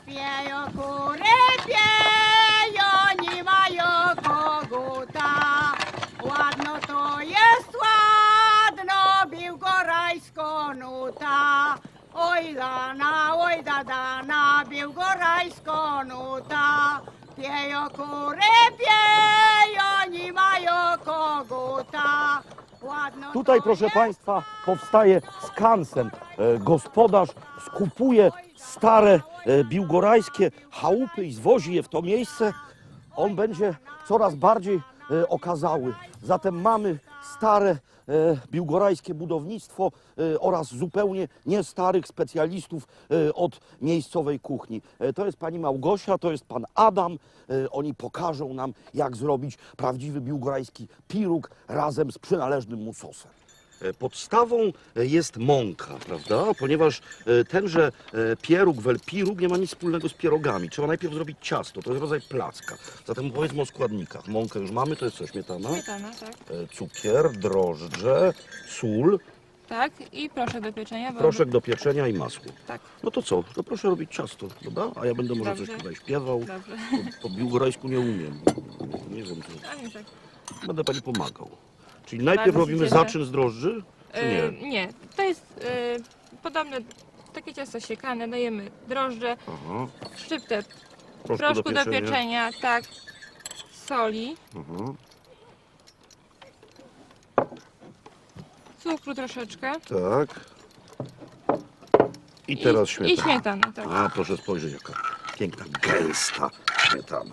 Pieją kury, pieją, nie mają koguta. Ładno to jest, ładno biłgorajsko nuta. Oj dana, biłgorajsko nuta. Pieją kury, pieją, nie mają koguta. Ładno Tutaj, to proszę jest, Państwa, powstaje skansen. Gospodarz skupuje stare biłgorajskie chałupy i zwozi je w to miejsce. On będzie coraz bardziej okazały. Zatem mamy stare biłgorajskie budownictwo oraz zupełnie nie starych specjalistów od miejscowej kuchni. To jest pani Małgosia, to jest pan Adam. Oni pokażą nam, jak zrobić prawdziwy biłgorajski piruk razem z przynależnym mu sosem. Podstawą jest mąka, prawda? Ponieważ tenże pieróg, piruk nie ma nic wspólnego z pierogami. Trzeba najpierw zrobić ciasto, to jest rodzaj placka. Zatem powiedzmy o składnikach. Mąkę już mamy, to jest co, śmietana? Śmietana, tak. Cukier, drożdże, sól, Tak, i proszek do pieczenia. Bo... proszek do pieczenia i masło. Tak, No to co? To proszę robić ciasto, dobra? A ja będę może Dobrze. coś tutaj śpiewał. dobrze. Po biłgorajsku nie umiem. Nie wiem, co. A nie tak. Będę pani pomagał. Czyli najpierw Bardzo się robimy cieszę. zaczyn z drożdży, czy nie? Nie, to jest podobne, takie ciasto siekane, dajemy drożdże, Aha. szczyptę Proszku proszku do pieczenia, tak, soli, Aha. cukru troszeczkę Tak. I teraz śmietana. i śmietana, tak. A, proszę spojrzeć, jaka piękna, gęsta śmietana.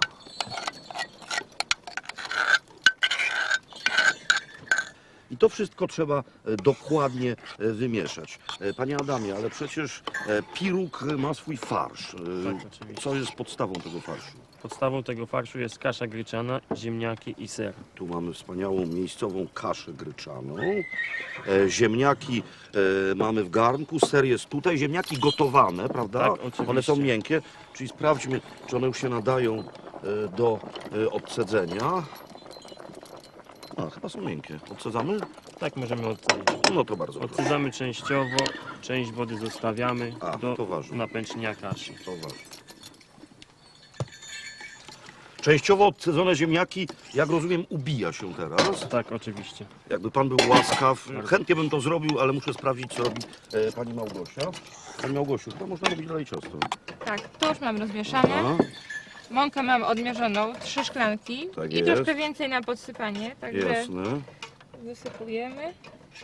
I to wszystko trzeba dokładnie wymieszać. Panie Adamie, ale przecież piruk ma swój farsz. Tak, oczywiście. Co jest podstawą tego farszu? Podstawą tego farszu jest kasza gryczana, ziemniaki i ser. Tu mamy wspaniałą miejscową kaszę gryczaną. Ziemniaki mamy w garnku, ser jest tutaj. Ziemniaki gotowane, prawda? Tak, oczywiście. One są miękkie, czyli sprawdźmy, czy one już się nadają do odcedzenia. A, chyba są miękkie. Odsadzamy? Tak możemy odcedzić. No to bardzo proszę. Odcedzamy częściowo, część wody zostawiamy A, do to ważne. napęcznia kaszy. To ważne. Częściowo odcedzone ziemniaki, jak rozumiem, ubija się teraz. Tak, oczywiście. Jakby pan był łaskaw, chętnie bym to zrobił, ale muszę sprawdzić, co robi pani Małgosia. Pani Małgosiu, chyba można robić dalej ciasto. Tak, to już mam rozmieszane. Aha, Mąkę mam odmierzoną, 3 szklanki Tak i jest. troszkę więcej na podsypanie, także jasne. wysypujemy.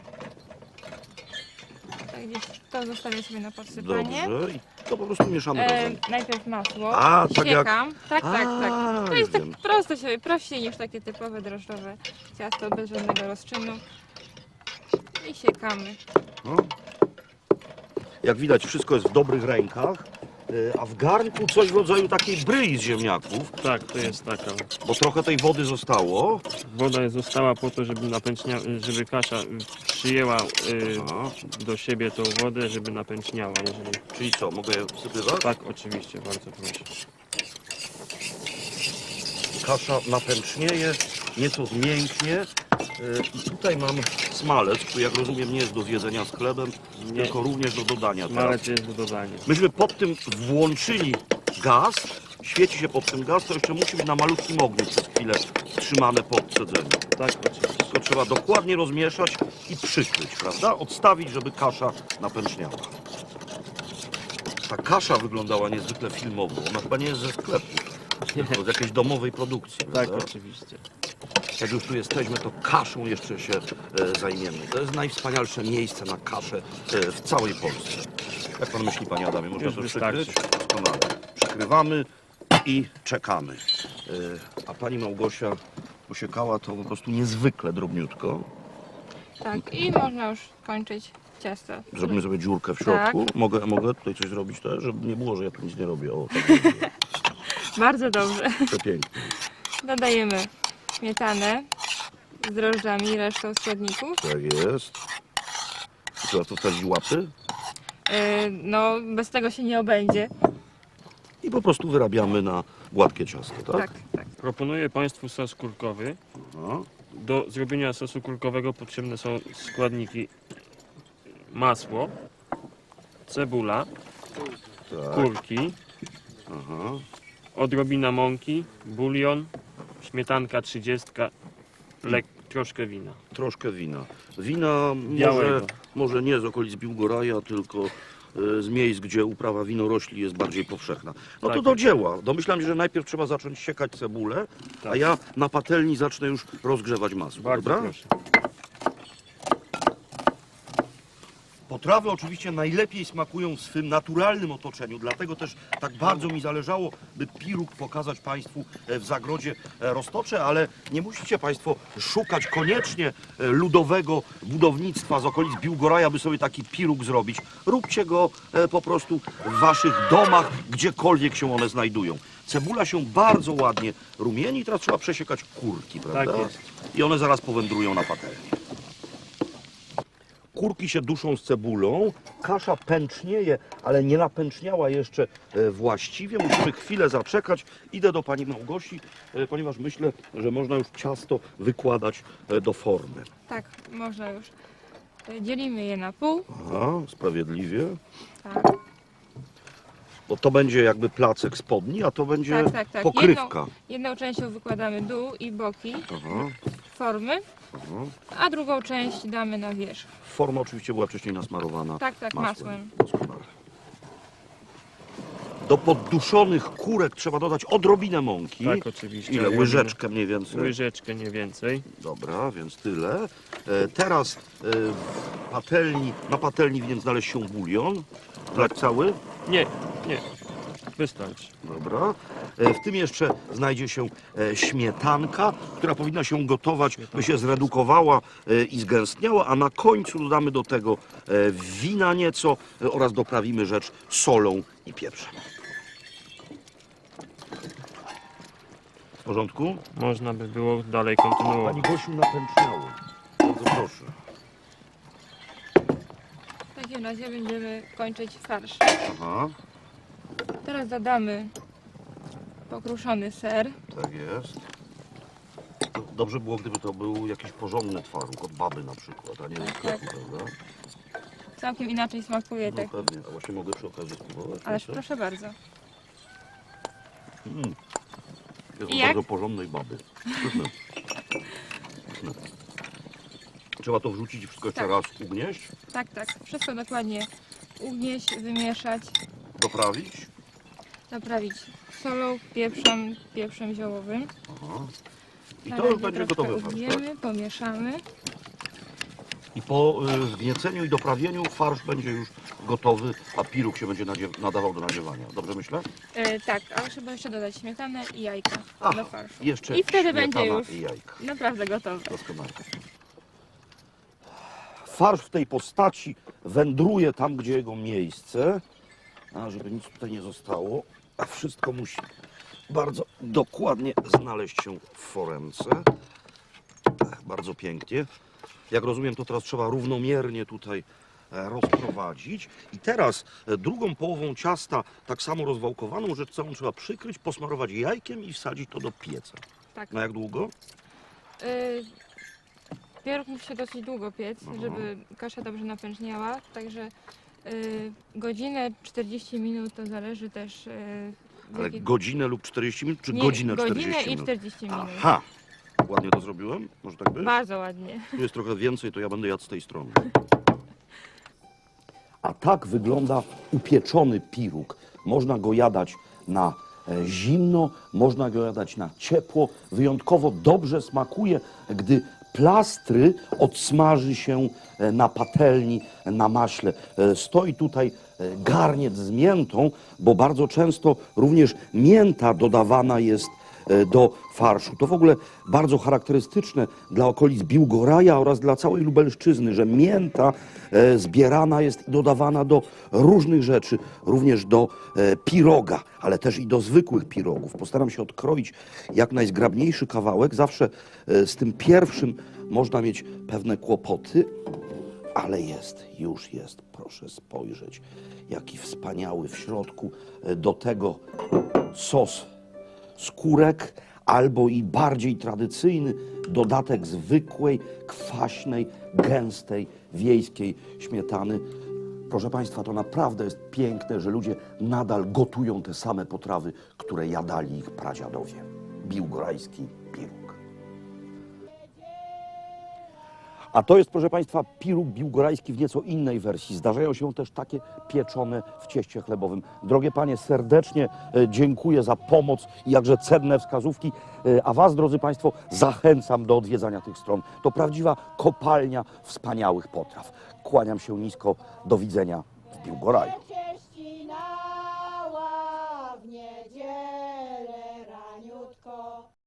Tak, gdzieś to zostawię sobie na podsypanie. Dobrze. I to po prostu mieszamy razem. Najpierw masło, A, tak jak- siekam. Tak, tak, tak. To jest tak wiem. proste, sobie prościej niż takie typowe drożdżowe ciasto bez żadnego rozczynu. I siekamy. No. Jak widać, wszystko jest w dobrych rękach, a w garnku coś w rodzaju takiej bryi z ziemniaków, Tak, to jest taka. bo trochę tej wody zostało. Woda została po to, żeby żeby kasza przyjęła Aha. do siebie tą wodę, żeby napęczniała. Jeżeli... Czyli co, mogę je wsypywać? Tak, oczywiście, bardzo proszę. Kasza napęcznieje, nieco zmięknie. I tutaj mam smalec, który jak rozumiem nie jest do zjedzenia z chlebem, Nie. tylko również do dodania teraz. Malec jest do dodania. Myśmy pod tym włączyli gaz, świeci się pod tym gaz, to jeszcze musi być na malutkim ogniu przez chwilę trzymane po odcedzeniu. Tak, oczywiście. To trzeba dokładnie rozmieszać i przykryć, prawda? Odstawić, żeby kasza napęczniała. Ta kasza wyglądała niezwykle filmowo, ona chyba nie jest ze sklepu, tylko z jakiejś domowej produkcji, Tak, prawda? oczywiście. Jak już tu jesteśmy, to kaszą jeszcze się zajmiemy. To jest najwspanialsze miejsce na kaszę w całej Polsce. Jak pan myśli, panie Adamie, można Już to wystarczy. przykryć? Doskonale. Przykrywamy i czekamy. A pani Małgosia posiekała to po prostu niezwykle drobniutko. Tak, i można już kończyć ciasto. Zrobimy sobie dziurkę w środku. Mogę tutaj coś zrobić też, żeby nie było, że ja tu nic nie robię. O, tak będzie. Bardzo dobrze. Przepięknie. Dodajemy śmietanę z drożdżami i resztą składników. Tak jest. I trzeba to wsadzić łapy No, bez tego się nie obędzie. i po prostu wyrabiamy na gładkie ciasto, tak? Tak, tak. Proponuję Państwu sos kurkowy. No. Do zrobienia sosu kurkowego potrzebne są składniki: masło, cebula, Tak. kurki, Aha. odrobina mąki, bulion, śmietanka 30, troszkę wina. Troszkę wina. Wina Białego. może nie z okolic Biłgoraja, tylko z miejsc, gdzie uprawa winorośli jest bardziej powszechna. No to Tak. do dzieła. Domyślam się, że najpierw trzeba zacząć siekać cebulę, a Tak. ja na patelni zacznę już rozgrzewać masło. Bardzo Dobra? proszę. Potrawy oczywiście najlepiej smakują w swym naturalnym otoczeniu, dlatego też tak bardzo mi zależało, by piruk pokazać Państwu w zagrodzie Roztocze, ale nie musicie Państwo szukać koniecznie ludowego budownictwa z okolic Biłgoraja, by sobie taki piruk zrobić. Róbcie go po prostu w Waszych domach, gdziekolwiek się one znajdują. Cebula się bardzo ładnie rumieni, teraz trzeba przesiekać kurki, prawda? Tak jest. I one zaraz powędrują na patelnię. Kurki się duszą z cebulą, kasza pęcznieje, ale nie napęczniała jeszcze właściwie. Musimy chwilę zaczekać. Idę do pani Małgosi, ponieważ myślę, że można już ciasto wykładać do formy. Tak, można już. Dzielimy je na pół. Aha, sprawiedliwie. Tak, Bo to będzie jakby placek spodni, a to będzie tak. pokrywka. Jedną częścią wykładamy dół i boki Aha, formy, aha. a drugą część damy na wierzch. Forma oczywiście była wcześniej nasmarowana Tak, masłem. Doskonale. Do podduszonych kurek trzeba dodać odrobinę mąki. Tak, oczywiście. Ile? Łyżeczkę mniej więcej? Łyżeczkę, nie więcej. Dobra, więc tyle. Teraz na patelni winien znaleźć się bulion. Tak cały? Nie. Wystarczy. Dobra. W tym jeszcze znajdzie się śmietanka, która powinna się gotować, by się zredukowała i zgęstniała, a na końcu dodamy do tego wina nieco oraz doprawimy rzecz solą i pieprzem. W porządku? Można by było dalej kontynuować. Pani Gosiu, napęczniało. Bardzo proszę. W takim razie będziemy kończyć farsz. Aha, Teraz dodamy pokruszony ser. tak jest. Dobrze było, gdyby to był jakiś porządny twaróg, od baby na przykład, a nie z sklepu, prawda? Całkiem inaczej smakuje, No tak. pewnie, a właśnie mogę przy okazji spróbować. Ależ proszę? proszę bardzo. Jest I od jak? bardzo porządnej baby. Pyszne. Pyszne. Trzeba to wrzucić i wszystko jeszcze Tak. raz ugnieść, Tak. Wszystko dokładnie ugnieść, wymieszać, doprawić. zaprawić solą, pieprzem ziołowym. Aha. I Na to razie już będzie troszkę gotowy farsz, tak? ugniemy, pomieszamy. I po wgnieceniu i doprawieniu farsz będzie już gotowy, a piruk się będzie nadawał do nadziewania. Dobrze myślę? Tak, ale trzeba jeszcze dodać śmietanę i jajka Ach, do farszu. Jeszcze I wtedy śmietana będzie już i jajka. naprawdę gotowe. Doskonale. Farsz w tej postaci wędruje tam, gdzie jego miejsce, a żeby nic tutaj nie zostało, a wszystko musi bardzo dokładnie znaleźć się w foremce. Bardzo pięknie. Jak rozumiem, to teraz trzeba równomiernie tutaj rozprowadzić. I teraz drugą połową ciasta, tak samo rozwałkowaną rzecz całą trzeba przykryć, posmarować jajkiem i wsadzić to do pieca. Tak. Na jak długo? Pieróg musi się dosyć długo piec, żeby kasza dobrze napęczniała, także godzinę, 40 minut to zależy też Ale godzinę lub 40 minut, czy godzinę 40 godzinę i minut? 40 minut. Aha! Ładnie to zrobiłem? Może tak być? Bardzo ładnie. Tu jest trochę więcej, to ja będę jadł z tej strony. A tak wygląda upieczony piruk. Można go jadać na zimno, można go jadać na ciepło. Wyjątkowo dobrze smakuje, gdy plastry odsmaży się na patelni, na maśle. Stoi tutaj garniec z miętą, bo bardzo często również mięta dodawana jest do farszu. To w ogóle bardzo charakterystyczne dla okolic Biłgoraja oraz dla całej Lubelszczyzny, że mięta zbierana jest i dodawana do różnych rzeczy, również do piroga, ale też i do zwykłych pirogów. Postaram się odkroić jak najzgrabniejszy kawałek. Zawsze z tym pierwszym można mieć pewne kłopoty, ale już jest. Proszę spojrzeć, jaki wspaniały w środku. Do tego sos skórek, albo i bardziej tradycyjny dodatek zwykłej, kwaśnej, gęstej, wiejskiej śmietany. Proszę Państwa, to naprawdę jest piękne, że ludzie nadal gotują te same potrawy, które jadali ich pradziadowie. Biłgorajski piruk. A to jest, proszę Państwa, piruk biłgorajski w nieco innej wersji. Zdarzają się też takie pieczone w cieście chlebowym. Drogie Panie, serdecznie dziękuję za pomoc i jakże cenne wskazówki, a Was, drodzy Państwo, zachęcam do odwiedzania tych stron. To prawdziwa kopalnia wspaniałych potraw. Kłaniam się nisko, do widzenia w Biłgoraju.